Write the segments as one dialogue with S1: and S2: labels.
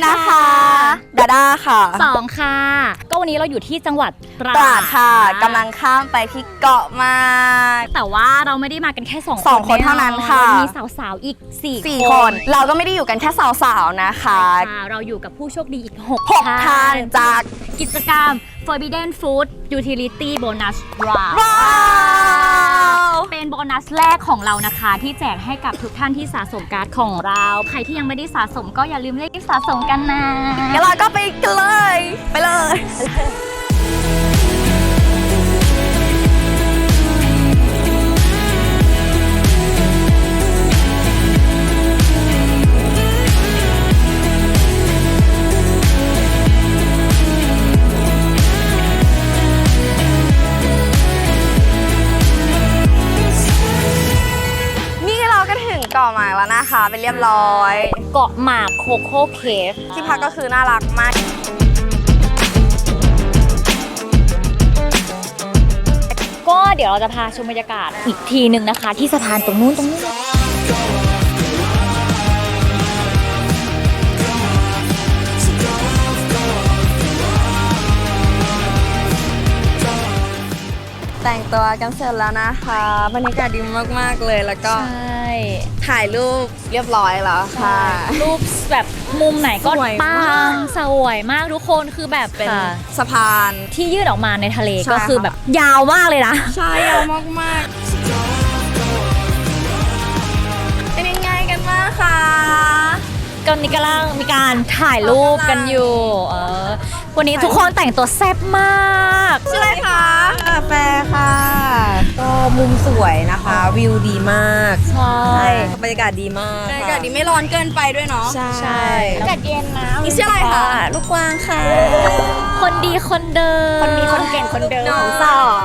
S1: นะคะดาด้าค่ะ
S2: 2ค่ะก็วันนี้เราอยู่ที่จังหวัดตราด
S1: ค่ะกำลังข้ามไปที่เกาะมา
S2: แต่ว่าเราไม่ได้มากันแค่
S1: 2 คนเท่านั้นค่ะ
S2: มีสาวๆอีก4
S1: คนเราก็ไม่ได้อยู่กันแค่สาวๆนะคะ
S2: เราอยู่กับผู้โชคดีอีก
S1: 6ท่านจาก
S2: กิจกรรม Forbidden Food Utility Bonus Round เป็นโบนัสแรกของเรานะคะที่แจกให้กับทุกท่านที่สะสมการ์ดของเราใครที่ยังไม่ได้สะสมก็อย่าลืมรีบสะสมกันนะ
S1: งั้นเราก็ไปกันเลยไปเลยเกาะหมากแล้วนะคะเป็นเรียบร้อย
S2: เกาะหมากโคโค่เคฟ
S1: ที่พักก็คือน่ารักมาก
S2: ก็เดี๋ยวเราจะพาชมบรรยากาศอีกทีหนึ่งนะคะที่สะพานตรงนู้น
S1: แต่งตัวกันเสร็จแล้วนะคะบรรยากาศดีมากๆเลยแล้วก็ถ่ายรูปเรียบร้อยแล้วค่ะ
S2: รูปแบบมุมไหนก็ปังสวยมากทุกคนคือแบบ
S1: เป็นสะพาน
S2: ที่ยืดออกมาในทะเลก็คือแบบยาวมากเลยนะ
S1: ใช่ยาวมากๆเป็นยังไงกันบ้างคะ
S2: ตอนนี้กำลังมีการถ่ายรูปกันอยู่วันนี้ทุกคนแต่งตัวแซ่บมาก
S1: ชื่ออะไรคะแฟร์ค่ะก็มุมสวยนะคะวิวดีมาก
S2: ใช่
S1: บรรยากาศดีมากบรรยากาศดีไม่ร้อนเกินไปด้วยเนาะ
S2: ใช่อากาศเย็นนะ
S1: นี่ชื่ออะไรคะลูกกวางค่ะ
S2: คนดีคนเดิม
S1: คนดีคนเก่งคนเดิมของสอง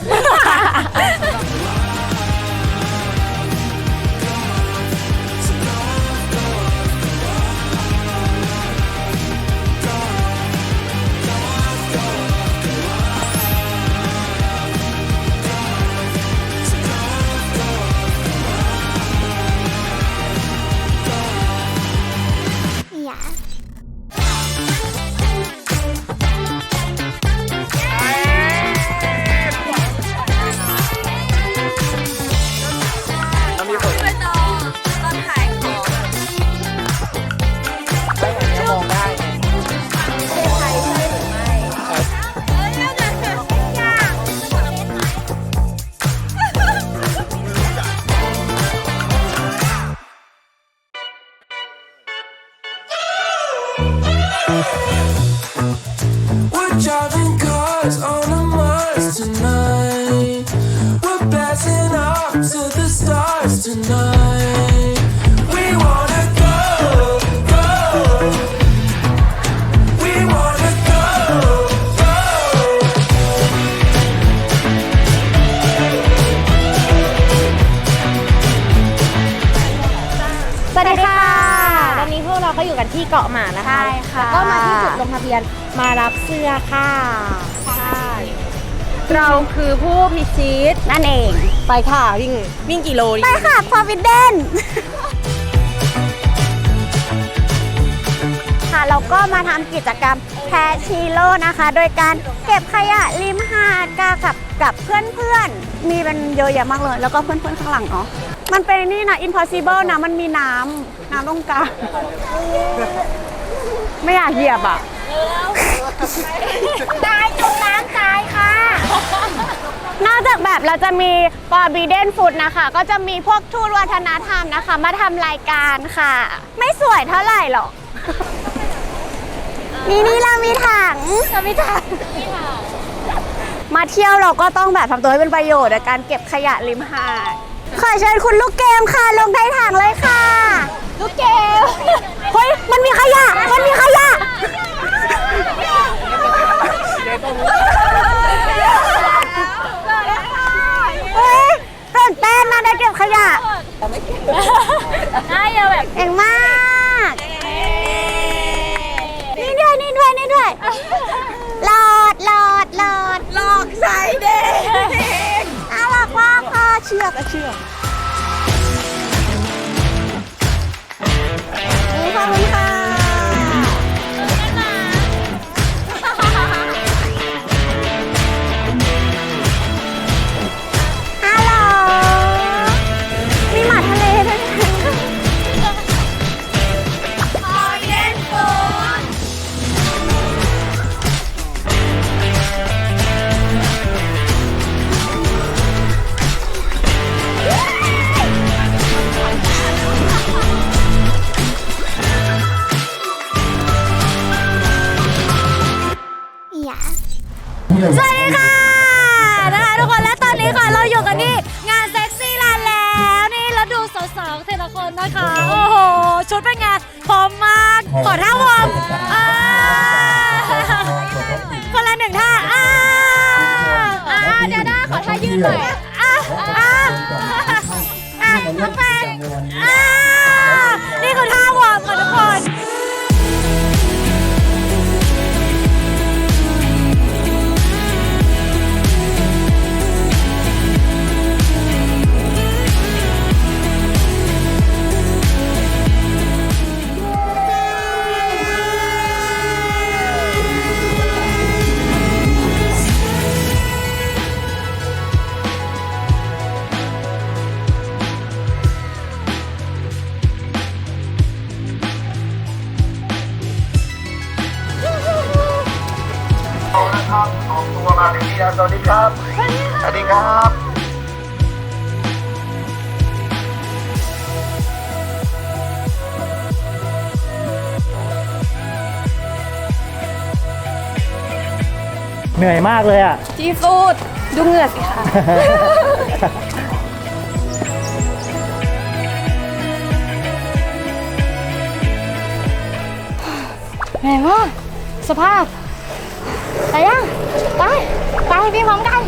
S3: We're driving cars on a Mars tonight. We're blasting off to the stars tonight. We wanna go, go. We wanna go, go.
S4: สวัสดีค่ะตอนนี้พวกเราก็อยู่กันที่เกาะหมากนะคะแล้วก็มาที่จุดลงทะเบียนมารับเสื้อค่ะใช่เราคือผู้พิชิตนั่นเองไปค่ะวิ่งกี่โล
S1: ไปค่ะ Forbidden
S4: ค่ะเราก็มาทำกิจกรรมแพชีโร่นะคะโดยการเก็บขยะริมหาดกับเพื่อนๆมีเป็นเยอะแยะมากเลยแล้วก็เพื่อนๆข้างหลังเนาะมันเป็นนี่นะ impossible นะมันมีน้ำตรงกลางไม่อยากเหยียบอ่ะตายจมน้ำตายค่ะนอกจากแบบเราจะมี Forbidden Food นะคะก็จะมีพวกทูตวัฒนธรรมนะคะมาทำรายการค่ะไม่สวยเท่าไหร่หรอกนี่เรามีถังมาเที่ยวเราก็ต้องแบบทำตัวให้เป็นประโยชน์ในการเก็บขยะริมหาดขอเชิญคุณลูกเกมค่ะลงในถังเลยค่ะลูกเกมเฮ้ยมันมีขยะเฮ้ยตื่นเต้นนะได้เก็บขยะ
S2: ได้เยอะแบบ
S4: เก่งมากนี่ด้วยหลอดหลอกใส่เด็กน่ารักมากค่ะเชือกนี่ขอบคุณค่ะ
S2: สวัสดีค่ะนะคะทุกคนและตอนนี้ค่ะเราอยู่กันที่งานเซ็กซี่แลนด์แล้วนี่แล้วดูสาวๆแต่ละคนนะคะโอ้โหชุดเป็นไงพร้อมมากขอท่าวอร์มคนละหนึ่งท่าเดี๋ยวนะขอท่ายืดหน่อยน้องแฟนนี่คือท่าวอร์มค่ะทุกคน
S5: ออกตัวมาเป็นที่แล้วสวัสดีครับ สวัสดีครับ
S6: เหนื่อยมากเลยอ่ะ
S1: ที่สุดดูเหงื่อสิคะ
S2: เหนื่อยมากสภาพไปยังไปพี่พร้อมกัน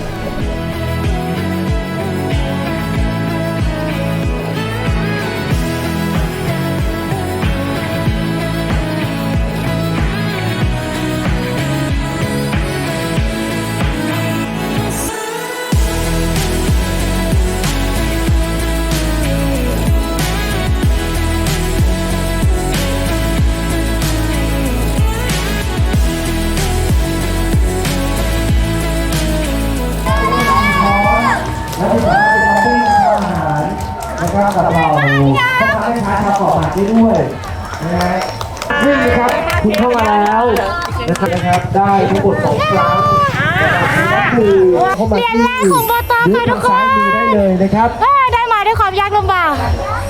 S6: นะครับกับเราพ่อค้าแม่ค้าทำก่อผัดได้ด้วยนะฮะนี่นะครับคุณเข้ามาแล้วนะครับได้ทั้งหมด2 ครั้งนะครับคือเข้ามาที่
S2: เรียนแรกของบต.ค่ะทุกคน
S6: ซ้ายมือได้เลยนะครับ
S2: ได้มาด้วยความยากลำบาก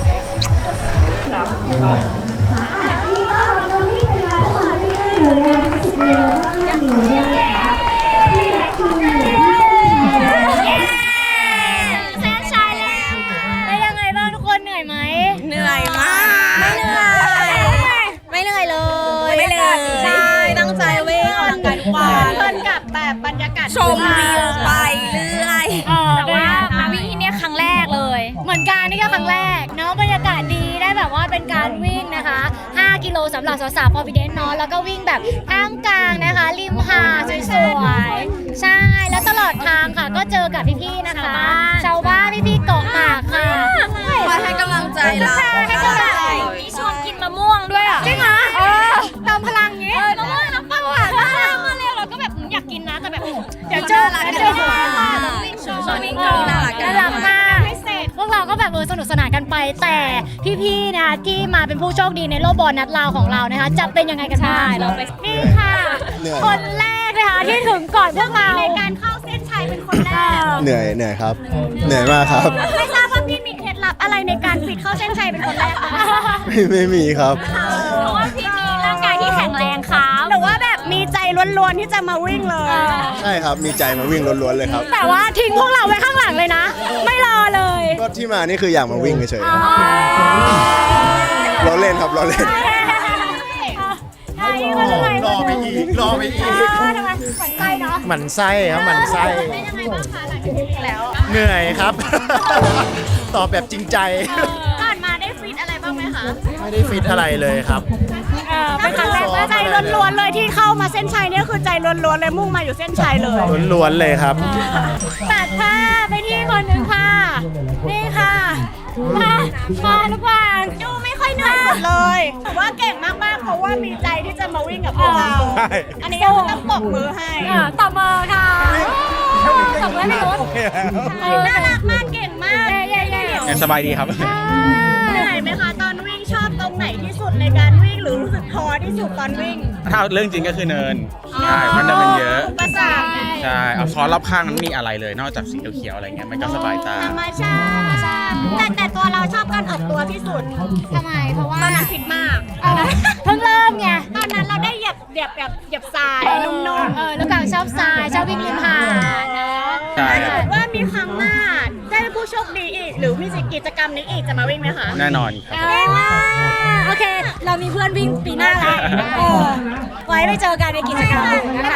S2: เส้นชัยแล้วเป็นยังไงบ้างทุกคนเหนื่อยไหม
S1: เหนื่อยมาก
S2: ไม่เหนื่อยเลย
S1: ไม่เหนื่อยใช่ตั้งใจวิ่งออกกำลังกายทุกวัน
S4: เพลินกับแบบบรรยากาศ
S1: ชมวิวไปเรื่อย
S2: แต่ว่ามาวิ่งที่เนี่ยครั้งแรกเลย เหมือนกันนี่ก็ครั้งแรกเนาะบรรยากาศดีได้แบบว่าเป็นการวิ่งนะคะ5 กิโลสำหรับสาวๆพอพิเดนเนาะแล้วก็วิ่งแบบท่ามกลางนะคะริมหาดสวยๆใช่แล้วตลอดทางค่ะก็เจอกับพี่ๆนะคะชาวบ้านพี่ๆเกาะหมากค่ะ
S1: คอยให้กำลังใจเรา
S2: ให้กำลังใจมีชวนกินมะม่วงด้วยอ่ะจริงเหรอเติมพลังอย่างงี้มะม่วงน้ำปลาหวานมากมาเร็วเราก็แบบอยากกินนะแต่แบบเดี๋ยวเจอวิ่งโชว์วิ่งโชว์น่ารักมากพวกเราก็แบบสนุกสนานกันไปแต่พี่ๆนะที่มาเป็นผู้โชคดีในโลกบอลนัดลาวของเรานะคะจะเป็นยังไงกันบ้างนี่ค่ะคนแรกนะคะที่ถึงก่อนพวกเราในการเข้าเส้นชัยเป็นคนแรก
S5: เหนื่อยครับ เหนื่อยมากครับ
S4: ไม่ทราบว่าพี่มีเคล็ดลับอะไรในการฟิตเข้าเส้นชัยเป็นคนแรกคะ
S5: ไม่มีครับ
S2: เพราะว่าพี่มีร่างกายที่แข็งแรงครับ
S4: หรือว่าแบบมีใจล้วนๆที่จะมาวิ่งเลย
S5: ใช่ครับ มีใจมาวิ่งล้วนๆเลยครับ
S2: แต่ว่าทิ้งพวกเราไว้ข้างหลังเลยนะ ไม่รอเลย
S5: ก็ที่มานี่คืออยากมาวิ่งเฉยๆครับเราเล่นครับเราเล่น
S6: รอไปอีก
S2: ทำไมฝันใจเนาะ
S6: หมั่นไส้ครับหมั่นไส้
S2: เป็นยังไงบ้างคะหลังจากนี้แล้ว
S6: เหนื่อยครับ ตอบแบบจริงใจ
S4: ก่อนมาได้ฟิตอะไรบ้างไหมคะ
S6: ไม่ได้ฟิตอะไรเลยครับ
S4: เป็นครั้งแรกใจล้วนๆเลยที่เข้ามาเส้นชัยเนี่ยคือใจล้วนๆเลยมุ่งมาอยู่เส้นชัยเลย
S6: ล้วนๆเลยครับ
S2: ตัดผ้าไปที่คนหนึ่งค่ะ นี่ค่ะมาทุกวัน
S4: ดูไม่ค่อยเหนื่อยสุดเลยถือว่าเก่งมากๆเพราะว่ามีใจที่จะมาวิ่งกับพวกเรา
S6: ใช่
S4: อันนี้ก็คือต้องปรบมือให้
S2: ต่อมาค่ะต่อมาพี่นุช
S4: น่ารักมากเก่งมาก
S7: สบายดีครับ
S4: เหนื่อยไหมคะตอนวิ่งชอบตรงไหนที่สุดในการวิ่งหรือรู้สึกท้อที่สุดตอนวิ่ง
S7: ถ้าเรื่องจริงก็คือเนิน ใช่มันเนินมันเยอะ
S4: อุปสรรค
S7: ใช่เอาซอสรอบข้างนั้นไม่มีอะไรเลย นอกจากสีเขียวๆอะไรเงี้ย มันก็สบายตา
S4: ธรรมชาติแต่ตัวเราชอบการออกตัวที่สุด
S2: ทำไมเพราะว่า
S4: ตอนนั้นฟิตมาก
S2: เพิ่งเริ่มไง
S4: ตอนนั้นเราได้เหยียบทรายนุ่มๆ
S2: แล้วกางชอบวิ่งริมหาดเนาะ
S7: ใช่ครับ
S4: ว่ามีครั้งหน้าได้เป็นผู้โชคดีอีก หรือมีกิจกรรมนี้อีกจะมาวิ่งไหมคะ
S7: แน่นอนครับ
S2: โอเค เรามีเพื่อนวิ่งปีหน้าแล้วไว้ไปเจอกันในกิจกรรมนะคะ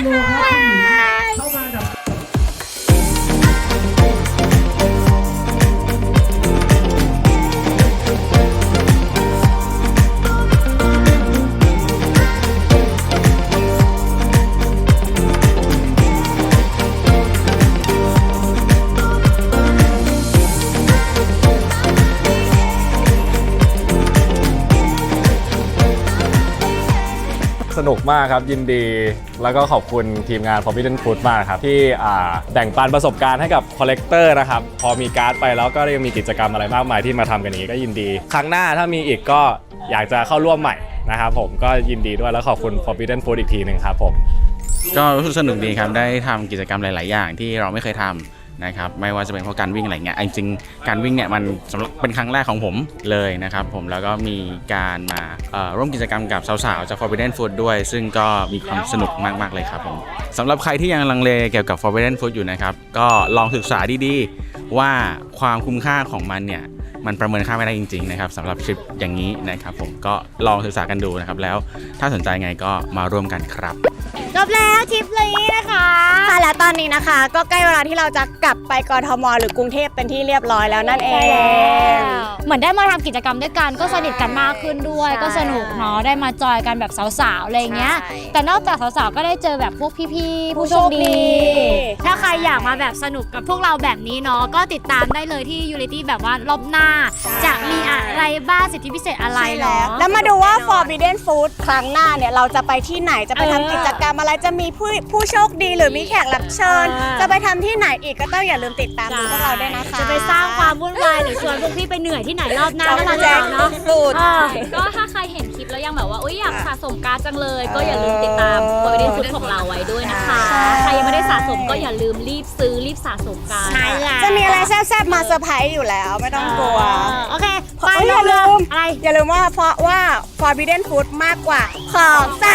S8: สนุกมากครับยินดีแล้วก็ขอบคุณทีมงาน Forbidden Food มากครับที่แบ่งปันประสบการณ์ให้กับคอลเลกเตอร์นะครับพอมีการ์ดไปแล้วก็ยังมีกิจกรรมอะไรมากมายที่มาทำกันนี้ก็ยินดีครั้งหน้าถ้ามีอีกก็อยากจะเข้าร่วมใหม่นะครับผมก็ยินดีด้วยแล้วขอบคุณ Forbidden Food อีกทีหนึ่งครับผม
S7: ก็รู้สึกสนุกดีครับได้ทำกิจกรรมหลาย ๆ อย่างที่เราไม่เคยทำนะครับไม่ว่าจะเป็นเพราะการวิ่งอะไรเงี้ยจริงๆการวิ่งเนี่ยมันสำหรับเป็นครั้งแรกของผมเลยนะครับผมแล้วก็มีการมาร่วมกิจกรรมกับสาวๆจาก Forbidden Food ด้วยซึ่งก็มีความสนุกมากๆเลยครับผมสำหรับใครที่ยังลังเลเกี่ยวกับ Forbidden Food อยู่นะครับก็ลองศึกษาดีๆว่าความคุ้มค่าของมันเนี่ยมันประเมินค่าไม่ได้จริงๆนะครับสำหรับทริปอย่างนี้นะครับผมก็ลองศึกษากันดูนะครับแล้วถ้าสนใจไงก็มาร่วมกันครับ
S4: จบแล้วทริปนี้นะคะค่ะแล้วตอนนี้นะคะ ก็ใกล้เวลาที่เราจะกลับไปกทมหรือกรุงเทพเป็นที่เรียบร้อยแล้วนั่นเอง
S2: เหมือนได้มาทำกิจกรรมด้วยกันก็สนิทกันมากขึ้นด้วยก็สนุกเนาะได้มาจอยกันแบบสาวๆอะไรอย่างเงี้ยแต่นอกจากสาวๆก็ได้เจอแบบพวกพี่ๆผู้โชคดีถ้าใครอยากมาแบบสนุกกับพวกเราแบบนี้เนาะก็ติดตามได้เลยที่ Unity แบบว่ารอบหน้าจะมีอะไรบ้างสิทธิพิเศษอะไรเนาะ
S4: แล้วมาดูว่า Forbidden Food ครั้งหน้าเนี่ยเราจะไปที่ไหนจะไปทำกิจกรรมอะไรจะมีผู้โชคดีหรือมีแขกรับเชิญ จะไปทำที่ไหนอีกก็ต้องอย่าลืมติดตามดูพวกเราด้วยนะคะ
S2: จะไปสร้างความวุ่นวายหรือชวนพวกพี่ไปเหนื่อยที่ไหนรอบหน้าก็มา
S4: แจก
S2: เนาะ
S4: สูตร
S9: ก็ถ้าใครเห็นคลิปแล้วยังแบบว่าอยากสะสมการ์ดจังเลย ก็อย่าลืมติดตาม Forbidden Food ของเราไว้ด้วยนะคะ ใครยังไม่ได้สะสมก็อย่าลืมรีบซื้อรีบสะสมกัน
S2: ใช่แล้ว
S4: จะมีอะไรแซ่บๆมาเซอร์ไพรส์อยู่แล้วไม่ต้องกลัว
S2: โอเค
S4: ไปอย่าลืม
S2: อะไร
S4: อย่าลืมว่าเพราะว่า Forbidden Food มากกว่าของแซ่